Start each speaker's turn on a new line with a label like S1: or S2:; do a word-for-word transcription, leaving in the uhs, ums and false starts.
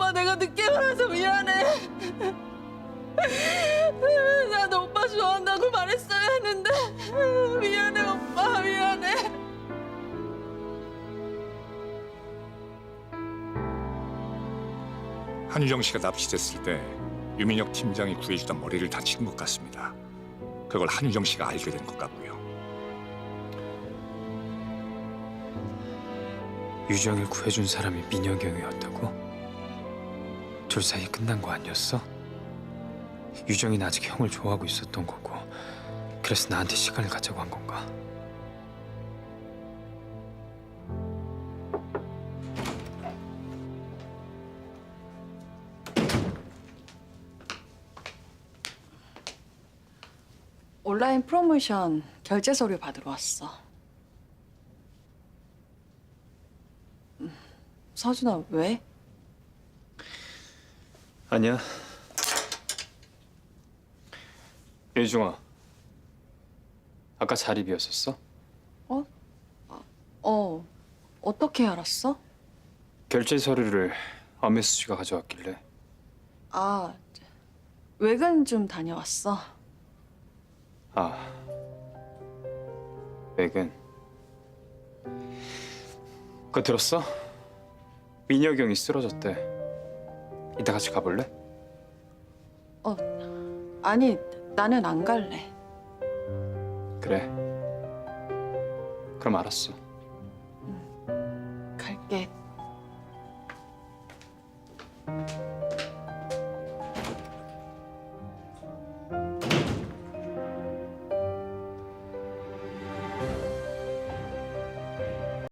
S1: 오빠 내가 늦게 말해서 미안해. 나도 오빠 좋아한다고 말했어야 했는데 미안해 오빠 미안해.
S2: 한유정 씨가 납치됐을 때 유민혁 팀장이 구해주던 머리를 다친 것 같습니다. 그걸 한유정 씨가 알게 된 것 같고요.
S3: 유정을 구해준 사람이 민혁이 형이었다고? 둘 사이 끝난 거 아니었어? 유정이는 아직 형을 좋아하고 있었던 거고 그래서 나한테 시간을 갖자고 한 건가?
S1: 온라인 프로모션 결제 서류 받으러 왔어. 음, 서준아 왜?
S3: 아니야. 유중아, 아까 자리 비었었어?
S1: 어? 아, 어. 어떻게 알았어?
S3: 결제 서류를 엄혜수 씨가 가져왔길래.
S1: 아, 외근 좀 다녀왔어.
S3: 아, 외근. 그거 들었어? 민혁이 형이 쓰러졌대. 이따 같이 가볼래?
S1: 어, 아니 나는 안 갈래.
S3: 그래. 그럼 알았어.
S1: 갈게.